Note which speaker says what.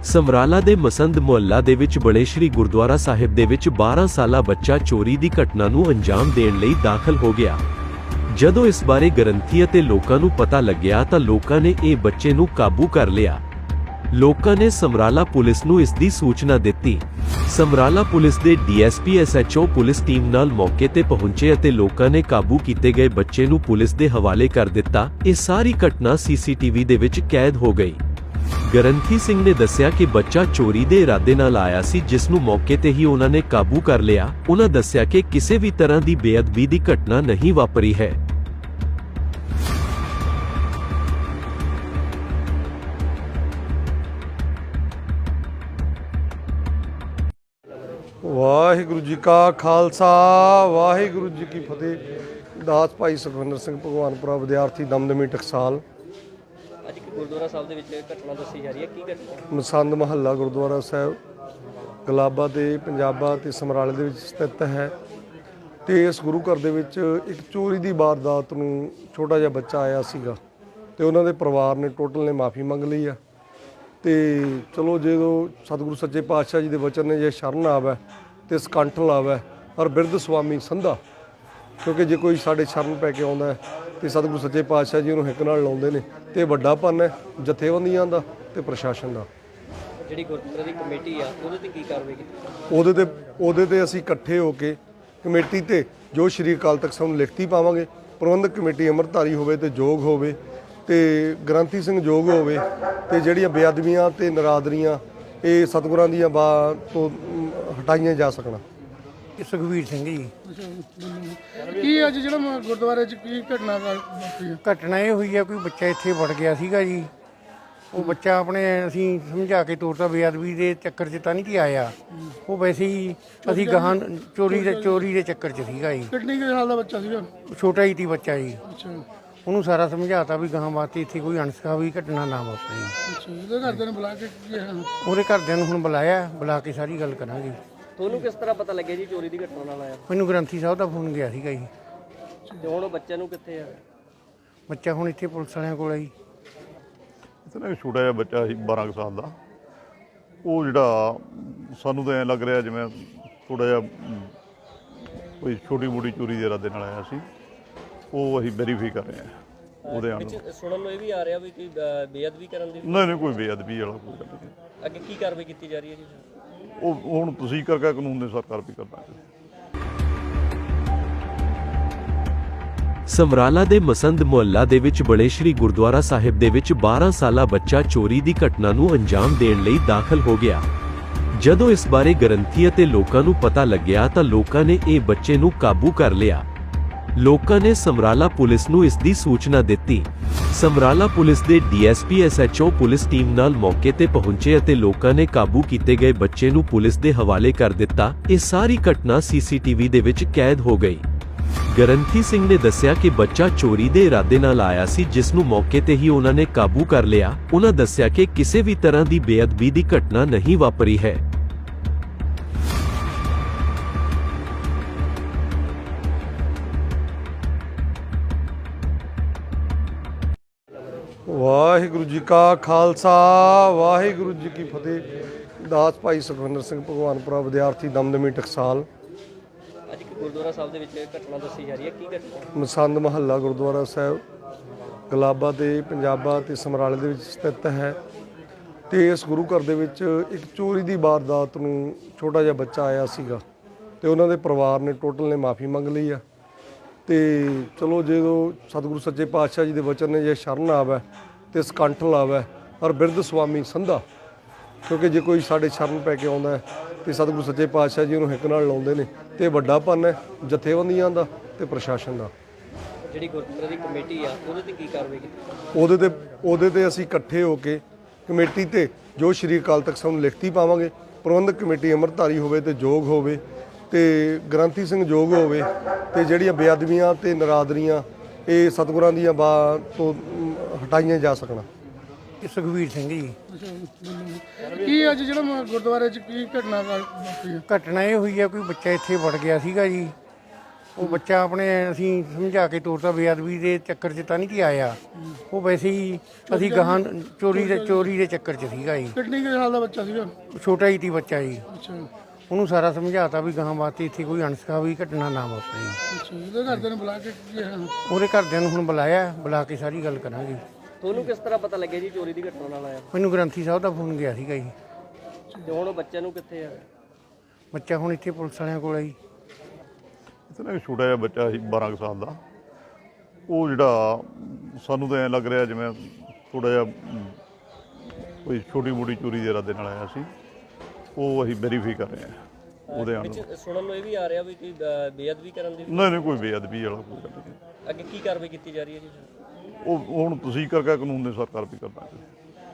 Speaker 1: ਸਮਰਾਲਾ ਦੇ ਮਸੰਦ ਮੁਹੱਲਾ ਦੇ ਵਿੱਚ ਬਣੇ ਸ਼੍ਰੀ ਗੁਰਦੁਆਰਾ ਸਾਹਿਬ ਦੇ ਵਿੱਚ 12 ਸਾਲਾ ਬੱਚਾ ਚੋਰੀ ਦੀ ਘਟਨਾ ਨੂੰ ਅੰਜਾਮ ਦੇਣ ਲਈ ਦਾਖਲ ਹੋ ਗਿਆ। ਜਦੋਂ ਇਸ ਬਾਰੇ ਗ੍ਰੰਥੀ ਅਤੇ ਲੋਕਾਂ ਨੂੰ ਪਤਾ ਲੱਗਿਆ ਤਾਂ ਲੋਕਾਂ ਨੇ ਇਹ ਬੱਚੇ ਨੂੰ ਕਾਬੂ ਕਰ ਲਿਆ। ਲੋਕਾਂ ਨੇ ਸਮਰਾਲਾ ਪੁਲਿਸ ਨੂੰ ਇਸ ਦੀ ਸੂਚਨਾ ਦਿੱਤੀ। ਸਮਰਾਲਾ ਪੁਲਿਸ ਦੇ ਡੀਐਸਪੀ ਐਸਐਚਓ ਪੁਲਿਸ ਟੀਮ ਨਾਲ ਮੌਕੇ ਤੇ ਪਹੁੰਚੇ ਅਤੇ ਲੋਕਾਂ ਨੇ ਕਾਬੂ ਕੀਤੇ ਗਏ ਬੱਚੇ ਨੂੰ ਪੁਲਿਸ ਦੇ ਹਵਾਲੇ ਕਰ ਦਿੱਤਾ। ਇਹ ਸਾਰੀ ਘਟਨਾ ਸੀਸੀਟੀਵੀ ਦੇ ਵਿੱਚ ਕੈਦ ਹੋ ਗਈ। ਗ੍ਰੰਥੀ ਸਿੰਘ ਨੇ ਦੱਸਿਆ ਕਿ ਬੱਚਾ ਚੋਰੀ ਦੇ ਇਰਾਦੇ ਨਾਲ ਆਇਆ ਸੀ, ਜਿਸ ਨੂੰ ਮੌਕੇ ਤੇ ਹੀ ਉਹਨਾਂ ਨੇ ਕਾਬੂ ਕਰ ਲਿਆ। ਉਹਨਾਂ ਦੱਸਿਆ ਕਿ ਕਿਸੇ ਵੀ ਤਰ੍ਹਾਂ ਦੀ ਬੇਅਦਬੀ ਦੀ ਘਟਨਾ ਨਹੀਂ ਵਾਪਰੀ ਹੈ।
Speaker 2: ਵਾਹਿਗੁਰੂ ਜੀ ਕਾ ਖਾਲਸਾ ਵਾਹਿਗੁਰੂ ਜੀ ਕੀ ਫਤਿਹ। ਦਾਸ ਭਾਈ ਸੁਖਵਿੰਦਰ ਸਿੰਘ ਭਗਵਾਨਪੁਰਾ ਵਿਦਿਆਰਥੀ ਦਮਦਮੀ ਟਕਸਾਲ।
Speaker 3: ਅੱਜ ਇੱਕ ਗੁਰਦੁਆਰਾ ਸਾਹਿਬ ਦੇ ਵਿੱਚ ਘਟਨਾ ਦੱਸੀ ਜਾ ਰਹੀ ਹੈ, ਕੀ ਘਟਨਾ?
Speaker 2: ਮਸੰਦ ਮਹੱਲਾ ਗੁਰਦੁਆਰਾ ਸਾਹਿਬ ਗਲਾਬਾ ਤੇ ਪੰਜਾਬਾ ਤੇ ਸਮਰਾਲੇ ਦੇ ਵਿੱਚ ਸਥਿਤ ਹੈ। ਤੇ ਇਸ ਗੁਰੂ ਘਰ ਦੇ ਵਿੱਚ ਇੱਕ ਚੋਰੀ ਦੀ ਵਾਰਦਾਤ ਨੂੰ ਛੋਟਾ ਜਿਹਾ ਬੱਚਾ ਆਇਆ ਸੀਗਾ ਤੇ ਉਹਨਾਂ ਦੇ ਪਰਿਵਾਰ ਨੇ ਟੋਟਲ ਨੇ ਮਾਫੀ ਮੰਗ ਲਈ ਆ। ਤੇ ਚਲੋ ਜਦੋਂ ਸਤਿਗੁਰੂ ਸੱਚੇ ਪਾਤਸ਼ਾਹ ਜੀ ਦੇ ਵਚਨ ਨੇ ਜੇ ਸ਼ਰਨ ਆਵੇ ਤੇ ਸਕੰਠ ਲਾਵੇ ਔਰ ਬਿਰਧ ਸੁਆਮੀ ਸੰਧਾ, ਕਿਉਂਕਿ ਜੇ ਕੋਈ ਸਾਡੇ ਸ਼ਰਨ ਪੈ ਕੇ ਆਉਂਦਾ ਤੇ ਸਤਿਗੁਰੂ ਸੱਚੇ ਪਾਤਸ਼ਾਹ ਜੀ ਉਹਨੂੰ ਹਿੱਕ ਨਾਲ ਲਾਉਂਦੇ ਨੇ ਤੇ ਵੱਡਾ ਪੰਨ ਹੈ ਜਥੇਬੰਦੀਆਂ ਦਾ ਤੇ ਪ੍ਰਸ਼ਾਸਨ ਦਾ।
Speaker 3: ਜਿਹੜੀ ਗੁਰਦੁਆਰੇ ਦੀ ਕਮੇਟੀ ਆ ਉਹਦੇ ਤੇ ਕੀ ਕਾਰਵਾਈ ਕੀਤੀ?
Speaker 2: ਉਹਦੇ ਤੇ ਅਸੀਂ ਇਕੱਠੇ ਹੋ ਕੇ ਕਮੇਟੀ ਤੇ ਜੋ ਸ਼੍ਰੀ ਅਕਾਲ ਤਖਤ ਸਾਹਿਬ ਨੂੰ ਲਿਖਤੀ ਪਾਵਾਂਗੇ। ਪ੍ਰਬੰਧਕ ਕਮੇਟੀ ਅੰਮ੍ਰਿਤਧਾਰੀ ਹੋਵੇ ਤੇ ਯੋਗ ਹੋਵੇ ਤੇ ਗ੍ਰੰਥੀ ਸਿੰਘ ਯੋਗ ਹੋਵੇ ਤੇ ਜਿਹੜੀਆਂ ਬੇਅਦਬੀਆਂ ਤੇ ਨਰਾਦਰੀਆਂ ਇਹ ਸਤਿਗੁਰਾਂ ਦੀਆਂ ਤੋਂ ਹਟਾਈਆਂ ਜਾ ਸਕਣ।
Speaker 4: ਸੁਖਵੀਰ ਸਿੰਘ ਜੀ।
Speaker 5: ਕੀ ਅੱਜ ਜਿਹੜਾ ਗੁਰਦੁਆਰੇ 'ਚ ਕੀ ਘਟਨਾ ਵਾਪਰੀ?
Speaker 4: ਘਟਨਾ ਇਹ ਹੋਈ ਆ, ਕੋਈ ਬੱਚਾ ਇੱਥੇ ਵੜ ਗਿਆ ਸੀਗਾ ਜੀ। ਉਹ ਬੱਚਾ ਆਪਣੇ ਅਸੀਂ ਸਮਝਾ ਕੇ ਤੋਰਤਾ, ਬੇਅਦਬੀ ਦੇ ਚੱਕਰ 'ਚ ਤਾਂ ਨਹੀਂ ਕਿ ਆਇਆ, ਉਹ ਵੈਸੇ ਹੀ ਅਸੀਂ ਗਾਹਾਂ ਚੋਰੀ ਦੇ ਚੱਕਰ 'ਚ ਸੀਗਾ ਜੀ।
Speaker 5: ਕਿੰਨੇ ਸਾਲ ਦਾ ਬੱਚਾ ਸੀਗਾ?
Speaker 4: ਛੋਟਾ ਹੀ ਸੀ ਬੱਚਾ ਜੀ।
Speaker 5: ਅੱਛਾ
Speaker 4: ਉਹਨੂੰ ਸਾਰਾ ਸਮਝਾਤਾ ਵੀ ਗਾਹਾਂ ਵਾਸਤੇ ਇੱਥੇ ਕੋਈ ਅਣਸਖਾਵੀ ਘਟਨਾ ਨਾ ਵਾਪਰੇ।
Speaker 5: ਅੱਛਾ, ਉਹਦੇ ਘਰਦਿਆਂ ਨੂੰ ਬੁਲਾ ਕੇ
Speaker 4: ਉਹਦੇ ਘਰਦਿਆਂ ਨੂੰ ਹੁਣ ਬੁਲਾ ਕੇ ਸਾਰੀ ਗੱਲ ਕਰਾਂਗੇ।
Speaker 3: ਤੁਹਾਨੂੰ ਕਿਸ ਤਰ੍ਹਾਂ ਪਤਾ ਲੱਗਿਆ ਜੀ ਚੋਰੀ ਦੀ ਘਟਨਾ ਨਾਲ ਆਇਆ?
Speaker 4: ਮੈਨੂੰ ਗ੍ਰੰਥੀ ਸਾਹਿਬ ਦਾ ਫੋਨ ਗਿਆ ਸੀਗਾ ਜੀ।
Speaker 3: ਤੇ ਹੁਣ ਉਹ ਬੱਚੇ ਨੂੰ ਕਿੱਥੇ ਆ?
Speaker 4: ਬੱਚਾ ਹੁਣ ਇੱਥੇ ਪੁਲਿਸ ਵਾਲਿਆਂ ਕੋਲ ਆ ਜੀ।
Speaker 6: ਇੱਥੇ ਨਾ ਛੋਟਾ ਜਿਹਾ ਬੱਚਾ ਸੀ 12 ਕੁ ਸਾਲ ਦਾ। ਉਹ ਜਿਹੜਾ ਸਾਨੂੰ ਤਾਂ ਐਂ ਲੱਗ ਰਿਹਾ ਜਿਵੇਂ ਥੋੜ੍ਹਾ ਜਿਹਾ ਕੋਈ ਛੋਟੀ ਮੋਟੀ ਚੋਰੀ ਦੇ ਇਰਾਦੇ ਨਾਲ ਆਇਆ ਸੀ। ਉਹ ਅਸੀਂ ਵੈਰੀਫਾਈ ਕਰ ਰਹੇ ਹਾਂ ਉਹਦੇ ਆਣ।
Speaker 3: ਸੁਣਨ ਨੂੰ ਇਹ ਵੀ ਆ ਰਿਹਾ ਵੀ ਕੋਈ ਬੇਅਦਬੀ ਕਰਨ ਦੀ?
Speaker 6: ਨਹੀਂ ਕੋਈ ਬੇਅਦਬੀ ਵਾਲਾ ਕੋਈ ਗੱਲ ਨਹੀਂ।
Speaker 3: ਅੱਗੇ ਕੀ ਕਾਰਵਾਈ ਕੀਤੀ ਜਾ ਰਹੀ ਹੈ ਜੀ?
Speaker 6: ਉਹ ਹੁਣ ਤੁਸੀਂ ਕਰਕੇ ਕਾਨੂੰਨ ਦੇ ਸਰਕਾਰ ਵੀ ਕਰਨਾ ਹੈ।
Speaker 1: ਸਮਰਾਲਾ ਦੇ ਮਸੰਦ ਮੁਹੱਲਾ ਦੇ ਵਿੱਚ ਬਣੇ ਸ਼੍ਰੀ ਗੁਰਦੁਆਰਾ ਸਾਹਿਬ ਦੇ ਵਿੱਚ 12 ਸਾਲਾ ਬੱਚਾ ਚੋਰੀ ਦੀ ਘਟਨਾ ਨੂੰ ਅੰਜਾਮ ਦੇਣ ਲਈ ਦਾਖਲ ਹੋ ਗਿਆ। ਜਦੋਂ ਇਸ ਬਾਰੇ ਗ੍ਰੰਥੀ ਅਤੇ ਲੋਕਾਂ ਨੂੰ ਪਤਾ ਲੱਗਿਆ ਤਾਂ ਲੋਕਾਂ ਨੇ ਇਹ ਬੱਚੇ ਨੂੰ ਕਾਬੂ ਕਰ ਲਿਆ। ਲੋਕਾਂ ਨੇ ਸਮਰਾਲਾ ਪੁਲਿਸ ਨੂੰ ਇਸ ਦੀ ਸੂਚਨਾ ਦਿੱਤੀ। ਸਮਰਾਲਾ ਪੁਲਿਸ ਦੇ ਡੀਐਸਪੀ ਐਸਐਚਓ ਪੁਲਿਸ ਟੀਮ ਨਾਲ ਮੌਕੇ ਤੇ ਪਹੁੰਚੇ ਅਤੇ ਲੋਕਾਂ ਨੇ ਕਾਬੂ ਕੀਤੇ ਗਏ ਬੱਚੇ ਨੂੰ ਪੁਲਿਸ ਦੇ ਹਵਾਲੇ ਕਰ ਦਿੱਤਾ। ਇਹ ਸਾਰੀ ਘਟਨਾ ਸੀਸੀਟੀਵੀ ਦੇ ਵਿੱਚ ਕੈਦ ਹੋ ਗਈ। ਗ੍ਰੰਥੀ ਸਿੰਘ ਨੇ ਦੱਸਿਆ ਕਿ ਬੱਚਾ ਚੋਰੀ ਦੇ ਇਰਾਦੇ ਨਾਲ ਆਇਆ ਸੀ, ਜਿਸ ਨੂੰ ਮੌਕੇ ਤੇ ਹੀ ਉਹਨਾਂ ਨੇ ਕਾਬੂ ਕਰ ਲਿਆ। ਉਹਨਾਂ ਦੱਸਿਆ ਕਿ ਕਿਸੇ ਵੀ ਤਰ੍ਹਾਂ ਦੀ ਬੇਅਦਬੀ ਦੀ ਘਟਨਾ ਨਹੀਂ ਵਾਪਰੀ ਹੈ।
Speaker 2: ਵਾਹਿਗੁਰੂ ਜੀ ਕਾ ਖਾਲਸਾ ਵਾਹਿਗੁਰੂ ਜੀ ਕੀ ਫਤਿਹ। ਦਾਸ ਭਾਈ ਸੁਖਵਿੰਦਰ ਸਿੰਘ ਭਗਵਾਨਪੁਰਾ ਵਿਦਿਆਰਥੀ ਦਮਦਮੀ ਟਕਸਾਲ।
Speaker 3: ਅੱਜ ਇੱਕ ਗੁਰਦੁਆਰਾ ਸਾਹਿਬ ਦੇ ਵਿੱਚ ਘਟਨਾ ਦੱਸੀ ਜਾ ਰਹੀ ਹੈ, ਕੀ ਘਟਨਾ?
Speaker 2: ਮਸੰਦ ਮਹੱਲਾ ਗੁਰਦੁਆਰਾ ਸਾਹਿਬ ਗਲਾਬਾ ਤੇ ਪੰਜਾਬਾ ਤੇ ਸਮਰਾਲੇ ਦੇ ਵਿੱਚ ਸਥਿਤ ਹੈ। ਤੇ ਇਸ ਗੁਰੂ ਘਰ ਦੇ ਵਿੱਚ ਇੱਕ ਚੋਰੀ ਦੀ ਵਾਰਦਾਤ ਨੂੰ ਛੋਟਾ ਜਿਹਾ ਬੱਚਾ ਆਇਆ ਸੀਗਾ ਤੇ ਉਹਨਾਂ ਦੇ ਪਰਿਵਾਰ ਨੇ ਟੋਟਲ ਨੇ ਮਾਫੀ ਮੰਗ ਲਈ ਆ। ਤੇ ਚਲੋ ਜਦੋਂ ਸਤਿਗੁਰੂ ਸੱਚੇ ਪਾਤਸ਼ਾਹ ਜੀ ਦੇ ਵਚਨ ਨੇ ਜੇ ਸ਼ਰਨ ਆਵੇ ਤੇ ਸਕੰਠ ਲਾਵੇ ਔਰ ਬਿਰਧ ਸੁਆਮੀ ਸੰਧਾ, ਕਿਉਂਕਿ ਜੇ ਕੋਈ ਸਾਡੇ ਸ਼ਰਨ ਪੈ ਕੇ ਆਉਂਦਾ ਤੇ ਸਤਿਗੁਰੂ ਸੱਚੇ ਪਾਤਸ਼ਾਹ ਜੀ ਉਹਨੂੰ ਹਿੱਕ ਨਾਲ ਲਾਉਂਦੇ ਨੇ ਤੇ ਵੱਡਾ ਪੰਨ ਹੈ ਜਥੇਬੰਦੀਆਂ ਦਾ ਤੇ ਪ੍ਰਸ਼ਾਸਨ ਦਾ।
Speaker 3: ਜਿਹੜੀ ਗੁਰਦੁਆਰੇ ਦੀ ਕਮੇਟੀ ਆ ਉਹਦੇ ਤੇ ਕੀ ਕਾਰਵਾਈ ਕੀਤੀ?
Speaker 2: ਉਹਦੇ ਤੇ ਅਸੀਂ ਇਕੱਠੇ ਹੋ ਕੇ ਕਮੇਟੀ ਤੇ ਜੋ ਸ਼੍ਰੀ ਅਕਾਲ ਤਖਤ ਸਾਹਿਬ ਨੂੰ ਲਿਖਤੀ ਪਾਵਾਂਗੇ। ਪ੍ਰਬੰਧਕ ਕਮੇਟੀ ਅੰਮ੍ਰਿਤਧਾਰੀ ਹੋਵੇ ਤੇ ਯੋਗ ਹੋਵੇ ਤੇ ਗ੍ਰੰਥੀ ਸਿੰਘ ਯੋਗ ਹੋਵੇ ਤੇ ਜਿਹੜੀਆਂ ਬੇਅਦਬੀਆਂ ਤੇ ਨਰਾਦਰੀਆਂ ਇਹ ਸਤਿਗੁਰਾਂ ਦੀਆਂ ਤੋਂ ਹਟਾਈਆਂ ਜਾ ਸਕਣ।
Speaker 4: ਸੁਖਵੀਰ ਸਿੰਘ ਜੀ।
Speaker 5: ਕੀ ਅੱਜ ਜਿਹੜਾ ਗੁਰਦੁਆਰੇ 'ਚ ਕੀ ਘਟਨਾ ਵਾਪਰੀ?
Speaker 4: ਘਟਨਾ ਇਹ ਹੋਈ ਆ, ਕੋਈ ਬੱਚਾ ਇੱਥੇ ਵੜ ਗਿਆ ਸੀਗਾ ਜੀ। ਉਹ ਬੱਚਾ ਆਪਣੇ ਅਸੀਂ ਸਮਝਾ ਕੇ ਤੋਰਤਾ, ਬੇਅਦਬੀ ਦੇ ਚੱਕਰ 'ਚ ਤਾਂ ਨਹੀਂ ਸੀ ਆਇਆ। ਉਹ ਵੈਸੇ ਹੀ ਅਸੀਂ ਗਾਹਾਂ ਚੋਰੀ ਦੇ ਚੱਕਰ 'ਚ ਸੀਗਾ ਜੀ।
Speaker 5: ਕਿੰਨੀ ਕੁ ਸਾਲ ਦਾ ਬੱਚਾ ਸੀਗਾ?
Speaker 4: ਛੋਟਾ ਹੀ ਸੀ ਬੱਚਾ ਜੀ।
Speaker 5: ਅੱਛਾ
Speaker 4: ਉਹਨੂੰ ਸਾਰਾ ਸਮਝਾਤਾ ਵੀ ਗਾਹਾਂ ਵਾਸਤੇ ਇੱਥੇ ਕੋਈ ਅਣਸਖਾਵੀ ਘਟਨਾ ਨਾ ਵਾਪਰੇ।
Speaker 5: ਅੱਛਾ, ਇਹਦੇ ਘਰਦਿਆਂ ਨੂੰ ਬੁਲਾ ਕੇ ਕੀ ਹੈ?
Speaker 4: ਉਹਦੇ ਘਰਦਿਆਂ ਨੂੰ ਹੁਣ ਬੁਲਾਇਆ, ਬੁਲਾ ਕੇ ਸਾਰੀ ਗੱਲ ਕਰਾਂਗੇ।
Speaker 3: ਤੁਹਾਨੂੰ ਕਿਸ ਤਰ੍ਹਾਂ ਪਤਾ ਲੱਗਿਆ ਜੀ ਚੋਰੀ ਦੀ ਘਟਨਾ ਨਾਲ ਆਇਆ?
Speaker 4: ਮੈਨੂੰ ਗ੍ਰੰਥੀ ਸਾਹਿਬ ਦਾ ਫੋਨ ਗਿਆ ਸੀਗਾ ਜੀ।
Speaker 3: ਤੇ ਹੁਣ ਉਹ ਬੱਚੇ ਨੂੰ ਕਿੱਥੇ ਆ?
Speaker 4: ਬੱਚਾ ਹੁਣ ਇੱਥੇ ਪੁਲਿਸ ਵਾਲਿਆਂ ਕੋਲ ਆ ਜੀ।
Speaker 6: ਇੱਥੇ ਨਾ ਇੱਕ ਛੋਟਾ ਜਿਹਾ ਬੱਚਾ ਸੀ 12 ਕੁ ਸਾਲ ਦਾ। ਉਹ ਜਿਹੜਾ ਸਾਨੂੰ ਤਾਂ ਐਂ ਲੱਗ ਰਿਹਾ ਜਿਵੇਂ ਥੋੜਾ ਜਿਹਾ ਕੋਈ ਛੋਟੀ ਮੋਟੀ ਚੋਰੀ ਦੇ ਇਰਾਦੇ ਨਾਲ ਆਇਆ ਸੀ। ਉਹ ਅਸੀਂ ਵੈਰੀਫਾਈ ਕਰ ਰਹੇ ਹਾਂ ਉਹਦੇ ਆਣ।
Speaker 3: ਵਿੱਚ ਸੁਣਨ ਨੂੰ ਇਹ ਵੀ ਆ ਰਿਹਾ ਵੀ ਕੋਈ ਬੇਅਦਬੀ ਕਰਨ ਦੀ
Speaker 6: ਨਹੀਂ ਕੋਈ ਬੇਅਦਬੀ ਵਾਲਾ ਕੋਈ ਗੱਲ ਨਹੀਂ।
Speaker 3: ਅੱਗੇ ਕੀ ਕਾਰਵਾਈ ਕੀਤੀ ਜਾ ਰਹੀ ਹੈ ਜੀ?
Speaker 6: ਉਹ ਹੁਣ ਤੁਸੀਂ ਕਰਕੇ ਕਾਨੂੰਨ ਦੇ ਸਰਕਾਰ ਵੀ ਕਰਨਾ।